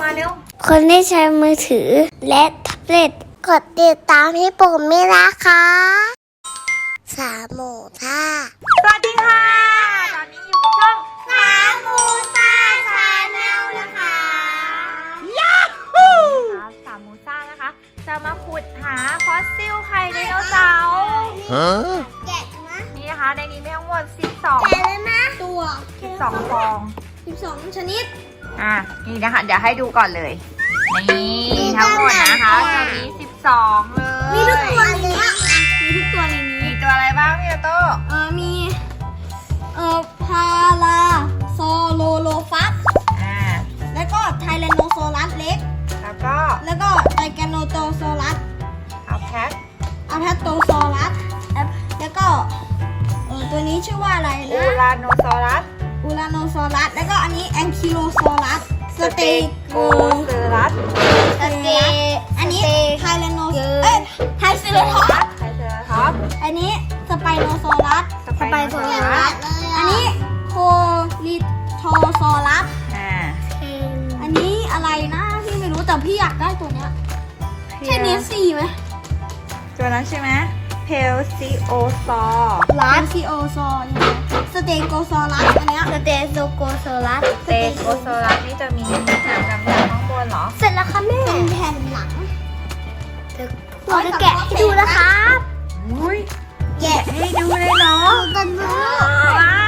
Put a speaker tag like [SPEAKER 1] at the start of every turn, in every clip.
[SPEAKER 1] เร็ว
[SPEAKER 2] คนที่ใช้มือถือและแท็บเล็ตกดติดตามพี่ปุ่มไม่นะคะสามหมูท่า
[SPEAKER 1] สวัสดีค่ะตอนนี้อยู่กับช่อง
[SPEAKER 2] สามหมูท่าชาแนลนะคะ
[SPEAKER 1] ยาฮูสามหมูซ่านะคะจะมาขุดหาฟอสซิลไข่ไดโนเสาร์
[SPEAKER 2] แกะนะ
[SPEAKER 1] นี่นะคะในนี้มีทั้งหมด12
[SPEAKER 2] แกะเลยนะตัว
[SPEAKER 1] 12ฟอง
[SPEAKER 2] 12ชนิด
[SPEAKER 1] นี่นะคะเดี๋ยวให้ดูก่อนเลยนี่ทั้งหมดนะคะจะมี12เลย
[SPEAKER 2] มีทุกตัวในนี้มีทุกตัวในนี้
[SPEAKER 1] มีตัวอะไรบ้างพี่โต้
[SPEAKER 2] มีพาราโซโลโลฟัสแล้วก็ไทแรนโนซอรัสเล็ก
[SPEAKER 1] แล้วก็
[SPEAKER 2] ไทแกโนโตซอรัส
[SPEAKER 1] อัลแพ
[SPEAKER 2] ตโตซอรัสแล้วก็ตัวนี้ชื่อว่าอะไรนะ
[SPEAKER 1] อูราโนซอรัส
[SPEAKER 2] แล้วก็อันนี้แองคิโลซอรัสสเตโก
[SPEAKER 1] เซอรัส
[SPEAKER 2] อันนี้ไทแรนโนไทเซอร์ท็อปอันนี้สไปโนซอรัสอันนี้โคลิโทซอรัสอันนี้อะไรนะพี่ไม่รู้แต่พี่อยากได้ตัวเนี้ยใช่เนสซี่ไหม
[SPEAKER 1] ตัวนั้นใช่ไหมเพลซิโอซอ
[SPEAKER 2] รัสซิโอซอสเตโกซอรัสอันเนี้ยสเตโกซอรัส
[SPEAKER 1] นี่จะมีหางดำๆข้างบนเหรอ
[SPEAKER 2] เสร็จแล้วค่ะแม่เป็นแผ่นหลังเราจะแกะให้ดูนะครับ
[SPEAKER 1] แกะให้ดูเลยเหรอว้าว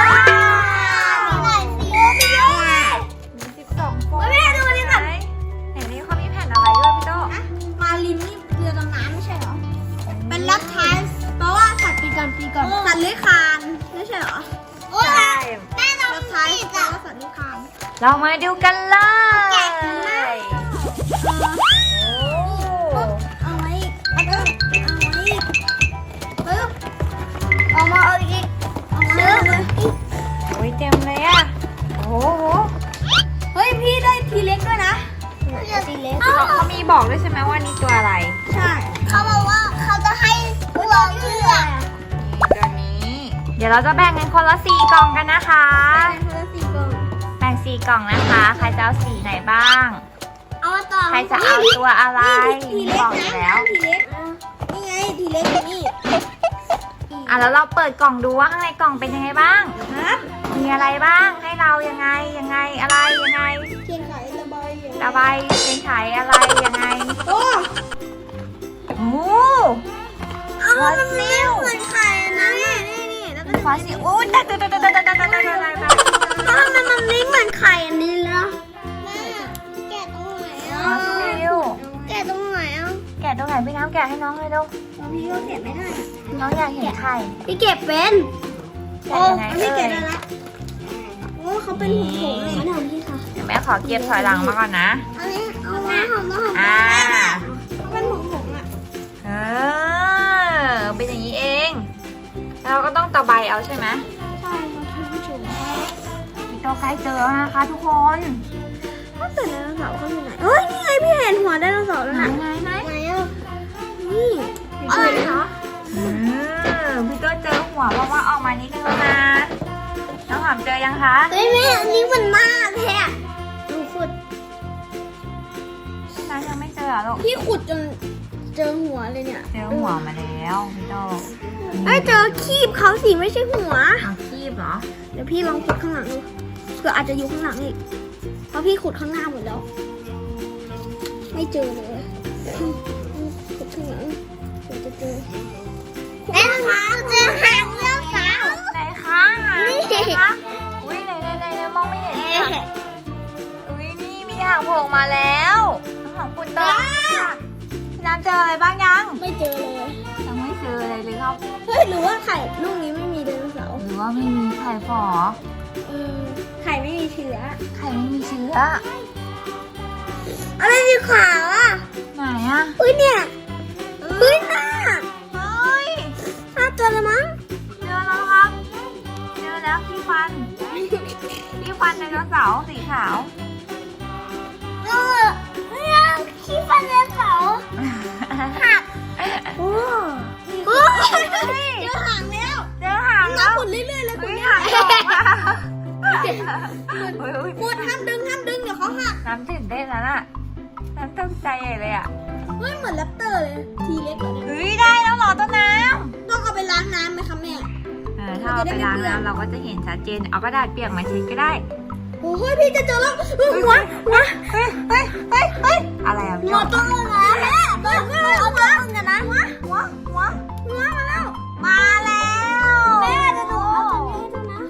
[SPEAKER 1] มี12ฟอง
[SPEAKER 2] แม่ดูนี่ก่อน
[SPEAKER 1] เห็นนี้เขามีแผ่นอะไรด้วยพี่โต้
[SPEAKER 2] มาลินนี่เรือดำน้ำไม่ใช่เหรอเป็นลับไทส์เพราะว่าสัตว์ปีก่อนสัตว์เลื้อยคลานไม่ใช่เหรอ
[SPEAKER 1] ใช่
[SPEAKER 2] แม่เราไทส์เพราะว่าสัตว์เลื้อยคลาน
[SPEAKER 1] เรามาดูกันเลย
[SPEAKER 2] เอาไว้เอามาเอาอีก
[SPEAKER 1] โอ้ยเต็มเลยอ่ะโอ้โห
[SPEAKER 2] เฮ้ยพี่ได้ทีเล็กด้วยนะทีเล็ก
[SPEAKER 1] เขามีบอกด้วยใช่ไหมว่านี่ตัวอะไร
[SPEAKER 2] ใช่เขาบอกว่าเขาจะให้ลองเลือก
[SPEAKER 1] ตัวนี้เดี๋ยวเราจะแบ่งกันคนละ4 กล่องกันนะคะแบ่ง4 กล่องนะคะใครจะเอาสีไหนบ้างใครจะเอาตัวอะไรบอกอยู่แล้ว
[SPEAKER 2] นี่ไงทีเล็กนี่
[SPEAKER 1] แล้วเราเปิดกล่องดูว่าข้างในกล่องเป็นยังไงบ้างมีอะไรบ้างให้เรายังไงอะไรยังไง
[SPEAKER 2] เทียนไข
[SPEAKER 1] ระบายเทียนไขอะไรยังไง
[SPEAKER 2] โอ้
[SPEAKER 1] ฟอสซิล
[SPEAKER 2] เหมือนไข่นะนี่แล้วก็
[SPEAKER 1] ฟอสซิลอู้แต่
[SPEAKER 2] ทำไมมันไม่เหมือนไข่อันนี้ล่ะแกะตรงไหน
[SPEAKER 1] ฟอสซิล
[SPEAKER 2] แกะตรงไหน
[SPEAKER 1] แกะตรงไหนพี่น้ำแกะให้น้องเลยดู
[SPEAKER 2] พี่ก็แกะไม่ได้
[SPEAKER 1] น้องอยากเห็นไข่
[SPEAKER 2] พี่เก็บเป็น
[SPEAKER 1] โอ้
[SPEAKER 2] พี่เก็บได้ละโอ้เขาเป็นหุ่นโถงเลยนะพี่ค่ะ
[SPEAKER 1] เดี๋ยวแม่ขอเก็บถอยหลังมาก่อนนะ
[SPEAKER 2] อันนี้เอามาหอมเป็นหุ่นโถง
[SPEAKER 1] เป็นอย่างนี้เองเราก็ต้องตะไบเอาใช่ไหม
[SPEAKER 2] ใช่ค่ะท่านผู้ชม
[SPEAKER 1] พี่โตใกล้เจอแล้วนะคะทุกคน
[SPEAKER 2] แต่ไดโนเสาร์เขาอยู่ไหนนี่ไงพี่เห็นหัวไดโนเสาร์แล้วนะ
[SPEAKER 1] ไหน
[SPEAKER 2] นี่อะไรเหรอ
[SPEAKER 1] พี่โตเจอหัวเพราะว่าออกมานิดนึงแล้วนะน้องหอมเจอยังคะ
[SPEAKER 2] แม่อันนี้มันมากแท้ดูขุด
[SPEAKER 1] น้ายังไม่เจอหรอลูก
[SPEAKER 2] พี่ขุดจนเจอหัวเลยเนี่ย
[SPEAKER 1] เจอหัวมาแล้วพี่โต
[SPEAKER 2] เจอคีบเขาสิไม่ใช่หัว
[SPEAKER 1] คีบเหรอ
[SPEAKER 2] เดี๋ยวพี่ลองขุดข้างหลังดูเผื่ออาจจะอยู่ข้างหลังอีกเพราะพี่ขุดข้างหน้าหมดแล้วไม่เจอเลยขุดข้างหลังเดี๋ยวจะเจอแม่คะเจอหางเรื่องสาว
[SPEAKER 1] ไหนคะนี่คะอุ้ยไหนมองไม่เห็นเลยอุ้ยนี่มีหางโผล่มาแล้วหางปุตตะพี่น้ำเจออะไรบ้างยัง
[SPEAKER 2] ไม่เจอเลย
[SPEAKER 1] ยังไม่เจออะไรเลยครับ
[SPEAKER 2] หรือว่าไข่ลูกนี้ไม่มีไดโนเสาร์
[SPEAKER 1] หรือว่าไม่มีไข่ฝอ
[SPEAKER 2] ไข่ไม่มีเชื้ออะไรสีขาว
[SPEAKER 1] ไหนอ่ะ
[SPEAKER 2] เนี่ยหน้าเจอแล้วมั้ง
[SPEAKER 1] เจอแล้วครับเจอแล้วที่ฟันไดโนเสาร์สีขาว
[SPEAKER 2] ขี้ฟันไดโนเสาร์หักเจอหางแล้วน้ำขุดเรื่อยๆเลยคุณแม่ขุดห้ามดึงเดี๋ยวเขาหัก
[SPEAKER 1] น้ำตื่นเต้นแล้วน่ะน้ำตกใจใหญ่เลยอ่ะ
[SPEAKER 2] เฮ้ยเหมือนแรปเตอร์เลยทีเล็กกว่านี้
[SPEAKER 1] เฮ้ยได้แล้วเหรอต้นน้
[SPEAKER 2] ต้องเอาไปล้างน้ำไหมคะแม่
[SPEAKER 1] ำถ้าเอาไปล้างน้ำเราก็จะเห็นชัดเจนเอากระดาษเปียกมาเช็ดก็ได้
[SPEAKER 2] โอ้ยพี่จะเจอแล้วหัว
[SPEAKER 1] เฮ้ยอะไรอ่ะ
[SPEAKER 2] หัวต้นเลยนะแม่ต้นเอาต้นกันนะหัวมาแล้ว
[SPEAKER 1] มาแล้ว
[SPEAKER 2] แม่จะดูเอาตัวนี้ให้ดูนะ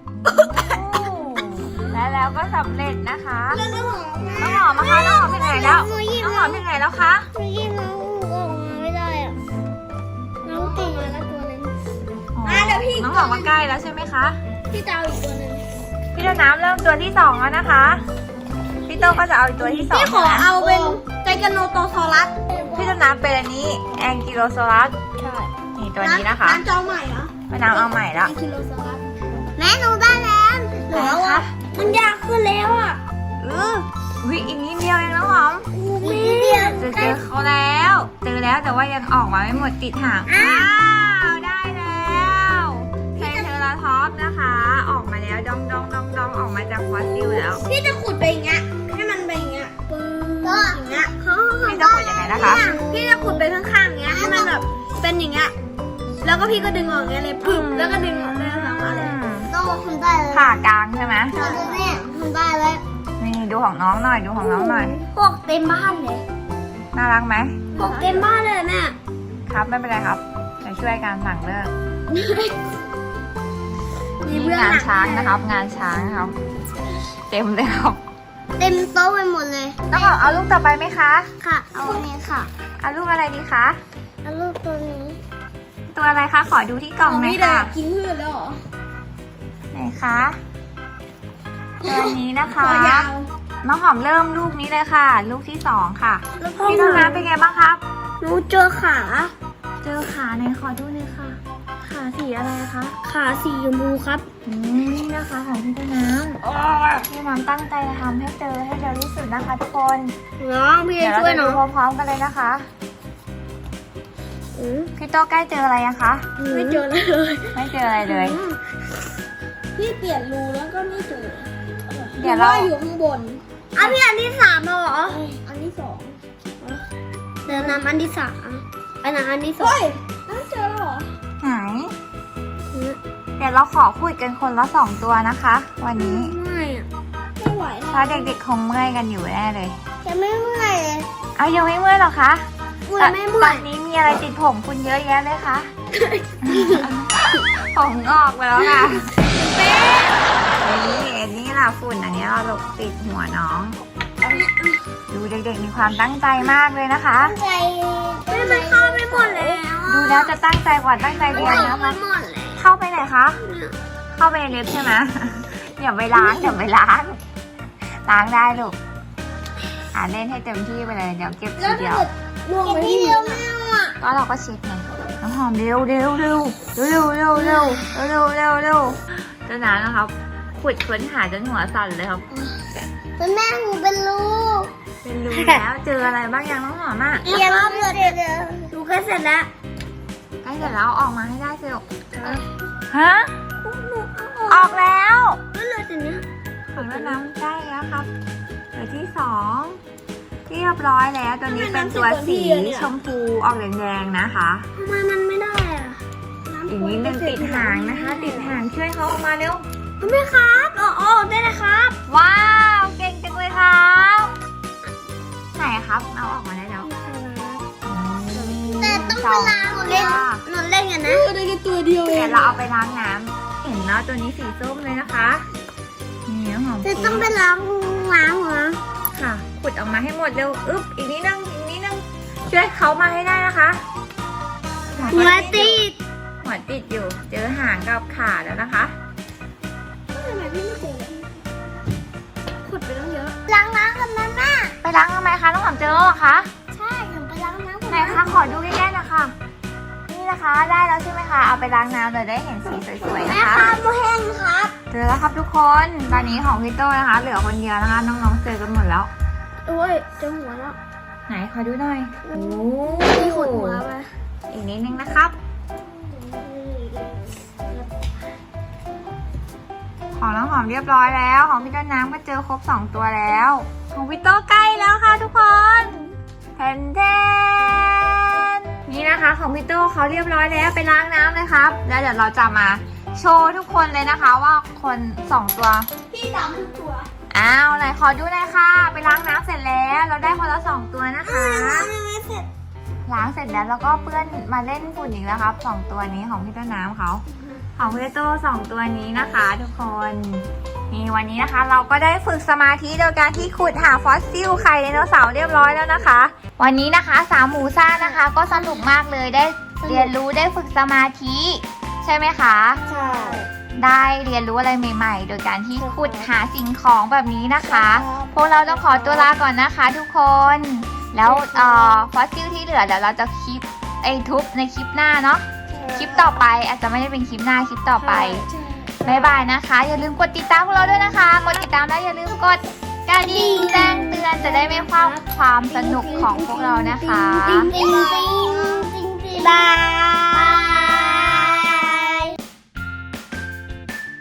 [SPEAKER 1] แล้วก็สำเร็จนะคะ
[SPEAKER 2] แล้วน้ำหอม
[SPEAKER 1] น้องหอมนะคะน้องหอมเป็นไงแล้วน้องหอมเป็นไงแล้วคะ
[SPEAKER 2] เมื่อกี้น้องออกมาไม่ได้อ่ะน้องติ่งมาแล้วตัวนึง เดี๋ยวพี่
[SPEAKER 1] น้องหอมมาใกล้แล้วใช่ไหมคะ
[SPEAKER 2] พี่จะเอาอีกตัวนึง
[SPEAKER 1] พี่ต้นน้ำเริ่มตัวที่2แล้วนะคะพี่โต้ก็จะเอาอีกตัวที่2
[SPEAKER 2] พี่ขอเอาเป็นไจแกโนโตซอรัส
[SPEAKER 1] พี่ต้นน้ำเป็นอันนี้แองกิโลโซลัส
[SPEAKER 2] ใช่
[SPEAKER 1] นี่ตัวนี้นะคะ
[SPEAKER 2] ร้านจอใหม่เหรอ
[SPEAKER 1] พี่น้ำเอาใหม่แล้ว
[SPEAKER 2] กิโลโซลัสแม่หนูได้แล้วหนูว่ามันยากขึ้นแล้วอ่ะ
[SPEAKER 1] อุ้ยอีกนิดเดียวเองน้องหอม
[SPEAKER 2] แม่
[SPEAKER 1] เจอเขาแล้วเจอแล้วแต่ว่ายังออกมาไม่หมดติดหางอ้าวได้แล้วไทรเทอราทอปส์นะคะ ออกมาแล้วดองออกมาจากฟอสซิลแล้ว
[SPEAKER 2] พี่จะขุดไปอย่างเงี้ยให้มันไปอย่างเงี้ยปึ้งอย่างเงี้ย
[SPEAKER 1] พี่จะขุดยังไงนะคะ
[SPEAKER 2] พี่จะขุดไปข้างๆอย่างเงี้ยให้มันแบบเป็นอย่างเงี้ยแล้วก็พี่ก็ดึงออกอย่างเงี้ยเลยปึ๊บแล้วก็ดึงออกได้ทั้งมาเลยต้องทำได้เลย
[SPEAKER 1] ผ่ากลางใช่ไหม
[SPEAKER 2] เนี่ยทำได้เลย
[SPEAKER 1] นี่ดูของน้องหน่อยดูของน้องหน่อย
[SPEAKER 2] พวกเต็มบ้านเลย
[SPEAKER 1] น่ารักไหม
[SPEAKER 2] พวกเต็มบ้านเลยแม่
[SPEAKER 1] ครับไม่เป็นไรครับจะช่วยการสั่งเลิก
[SPEAKER 2] มี
[SPEAKER 1] นี่
[SPEAKER 2] เบื้อง
[SPEAKER 1] งาน
[SPEAKER 2] หลัง
[SPEAKER 1] ช้างนะครับ งานช้างครับ เต็มเลยครับ
[SPEAKER 2] เต็มโต๊ะไปหมดเลย
[SPEAKER 1] น้องหอมเอาลูกต่อไปไหมคะ
[SPEAKER 2] ค่ะ เอาอันนี้ค่ะ
[SPEAKER 1] เอาลูกอะไรดีคะ
[SPEAKER 2] เอาลูกตัวนี้
[SPEAKER 1] ตัวอะไรคะขอดูที่กล่องหน่อยค่ะ
[SPEAKER 2] กินพืชแล้วเหรอ
[SPEAKER 1] ไหนคะตัวนี้นะคะ
[SPEAKER 2] ตัวยาว
[SPEAKER 1] น้องหอมเริ่มลูกนี้เลยค่ะ ลูกที่2ค่ะพี่ต้นน้ำเป็นไงบ้างครับ
[SPEAKER 2] หนูเจอขา
[SPEAKER 1] เจอขาไหนขอดูหน่อยค่ะ ขาสีอะไรคะ
[SPEAKER 2] ขาสีชมพูครับ
[SPEAKER 1] นี่นะคะของพี่ต้นน้ำพี่น้ำตั้งใจทำให้เจอให้เร็วที่สุดนะคะทุกคน
[SPEAKER 2] น้องพี่
[SPEAKER 1] เดี๋ยวเรา
[SPEAKER 2] ช่วย
[SPEAKER 1] จะ
[SPEAKER 2] น้
[SPEAKER 1] ดู
[SPEAKER 2] อง
[SPEAKER 1] พร้อมๆกันเลยนะคะพี่โตใกล้เจออะไรยังคะ
[SPEAKER 2] ไม่เจอเลย
[SPEAKER 1] ไม่เจออะไรเลย
[SPEAKER 2] พี่เปลี่ยนรูแล้วก็ไม่เจอ
[SPEAKER 1] เดี๋ยวเรา
[SPEAKER 2] อยู่ข้างบนพี่อันที่3แล้วเหรอ อันที่2เดี๋ยวนำอันที่3อันนั้นอันที่2เฮ้ยนั่นเจอแล้วเหรอ
[SPEAKER 1] ไหนเดี๋ยวเราขอคุยกันคนละ2ตัวนะคะ วันนี้
[SPEAKER 2] ไม่อะไม่ไหว
[SPEAKER 1] เพราะเด็กๆคงเมื่อยกันอยู่แน่เลย
[SPEAKER 2] จะไม่เมื่อยเลย
[SPEAKER 1] เอายังไม่เมื่อยหรอคะ
[SPEAKER 2] ไม่เมื่
[SPEAKER 1] ต
[SPEAKER 2] อ
[SPEAKER 1] อย นนี้มีอะไรติดผมคุณเยอะแยะเลยคะ ผมงอกไปแล้วค่ะนี่ล่ะฝุ่นอันนี้เราหลบติดหัวน้อง ดูเด็กๆมีความตั้งใจมากเลยนะคะ
[SPEAKER 2] ใจไม่มันเข้าไปหมดแล้ว
[SPEAKER 1] ดูแล้วจะตั้งใจกว่าตั้งใจเรียนนะคะ
[SPEAKER 2] หมดเลย
[SPEAKER 1] เข้าไปไหนคะ เข้าไปในเล็บใช่ไหม อย่าไปล้างอย่าไปล้าง ล้างได้ลูกเล่นให้เต็มที่ไปเลย เดี๋ยวเก็บทีเดียว
[SPEAKER 2] รวมไปที่เดียวไม่เอาอ่ะ
[SPEAKER 1] ก็เราก็เช็ดไงน้ำหอมเร็วเจ้าหนานะครับ ขุดค้นหาจนหัวสั่นเลยครับ
[SPEAKER 2] เป็นแม่หนูเป็นลูก
[SPEAKER 1] เป็นรูแล้วเจออะไรบ้างยังน้องหอมอ่ะ
[SPEAKER 2] เรียนรอบเดียวดูแค่เสร็จแล้ว
[SPEAKER 1] ใกล้เสร็จแล้วออกมาให้ได้สิลูกฮะ ออกแล้ว
[SPEAKER 2] ก็เลยสิเนี่ย
[SPEAKER 1] ถึงแล้วน้ำใกล้แล้วครับตัวที่2เรียบร้อยแล้วตัวนี้เป็นตัวสีชมพูออกแดงๆนะคะ
[SPEAKER 2] ทำไมมันไม่ได้อ่ะ
[SPEAKER 1] อีกนิดนึงติดหางนะคะ ติดหางช่วยเขาออกมาเร็ว
[SPEAKER 2] แม่ครับอ๋อได้เลยครับ
[SPEAKER 1] ว้าวเก่งจังเลยครับไหนครับเอาออกมาได้แล้ว
[SPEAKER 2] แต่ต้องเวลาหนูเล่นกันนะได้แค่ตัวเดียวเอ
[SPEAKER 1] เดี๋ย
[SPEAKER 2] ง
[SPEAKER 1] วเราเอาไปล้างน้ำเห็นแล้วตัวนี้สีส้มเลยนะคะนี่น้ำหอม
[SPEAKER 2] จะต้องไปล้างเหรอ
[SPEAKER 1] ค่ะขุดออกมาให้หมดเร็วอึ๊บอีกนิดนึงช่วยเขามาให้ได้นะคะ
[SPEAKER 2] หัวติด
[SPEAKER 1] หัวติดอยู่เจอหางกับขาแล้วนะคะ
[SPEAKER 2] ทำไมพี่ไม่เจอขุดไปตั้งเยอะล้างน้ำกันนะแม่
[SPEAKER 1] ไปล้างทำไมคะน้องหอมเจอแล้วเหรอคะ
[SPEAKER 2] ใช่หนูไปล้างน้ำ
[SPEAKER 1] ไหนคะขอดูใกล้ๆนะคะนี่นะคะได้แล้วใช่ไหมคะเอาไปล้างน้ำเลยได้เห็นสีสวยๆ
[SPEAKER 2] แม่
[SPEAKER 1] นะคะ
[SPEAKER 2] ครับโมแห้งครับ
[SPEAKER 1] เจอแล้วครับทุกคนตอนนี้ของพี่โต้นะคะ เหลือคนเดียวนะคะน้องๆเจอกันหมดแล้ว
[SPEAKER 2] โอ้ยเจอหัวแล้ว
[SPEAKER 1] ไหนขอดูหน่อยโอ้
[SPEAKER 2] พี่ขุดหัวไป
[SPEAKER 1] อีกนิดนึงนะครับของน้องหอมเรียบร้อยแล้ว ของพี่ต้นน้ำก็เจอครบ2ตัวแล้ว ของพี่โต้ใกล้แล้วค่ะทุกคนแทนแทนนี่นะคะของพี่โต้เขาเรียบร้อยแล้วไปล้างน้ำเลยครับ แล้วเดี๋ยวเราจะมาโชว์ทุกคนเลยนะคะว่าคน2ตัว
[SPEAKER 2] พี่ตามทุกตัว
[SPEAKER 1] อ้าวไหนขอดูหน่อยค่ะ ไปล้างน้ำเสร็จแล้วเราได้คนละ2ตัวนะคะ
[SPEAKER 2] ไม่เสร็จ
[SPEAKER 1] ล้างเสร็จแล้วแล้วก็เปื้อนมาเล่นฝุ่นอีกแล้วครับ2ตัวนี้ของพี่ต้นน้ำเขาของพี่โต้2ตัวนี้นะคะทุกคนนี่วันนี้นะคะ เราก็ได้ฝึกสมาธิโดยการที่ขุดหาฟอสซิลไข่ไดโนเสาร์เรียบร้อยแล้วนะคะ วันนี้นะคะ3หมูซ่านะคะ ก็สนุกมากเลยได้เรียนรู้ได้ฝึกสมาธิใช่ไหมคะ
[SPEAKER 2] ใช่
[SPEAKER 1] ได้เรียนรู้อะไรใหม่ๆ โดยการที่ขุดหาสิ่งของแบบนี้นะคะ พวกเราต้องขอตัวลาก่อนนะคะทุกคน แล้วฟอสซิลที่เหลือเดี๋ยวเราจะคลิปทุบในคลิปหน้าเนาะ คลิปต่อไปอาจจะไม่ได้เป็นคลิปหน้าคลิปต่อไปบ๊ายบายนะคะ อย่าลืมกดติดตามพวกเราด้วยนะคะ กดติดตามแล้วอย่าลืมกดกระดิ่งแจ้งเตือนจะได้ไม่พลาดความสนุกของพวกเรานะคะ
[SPEAKER 2] บาย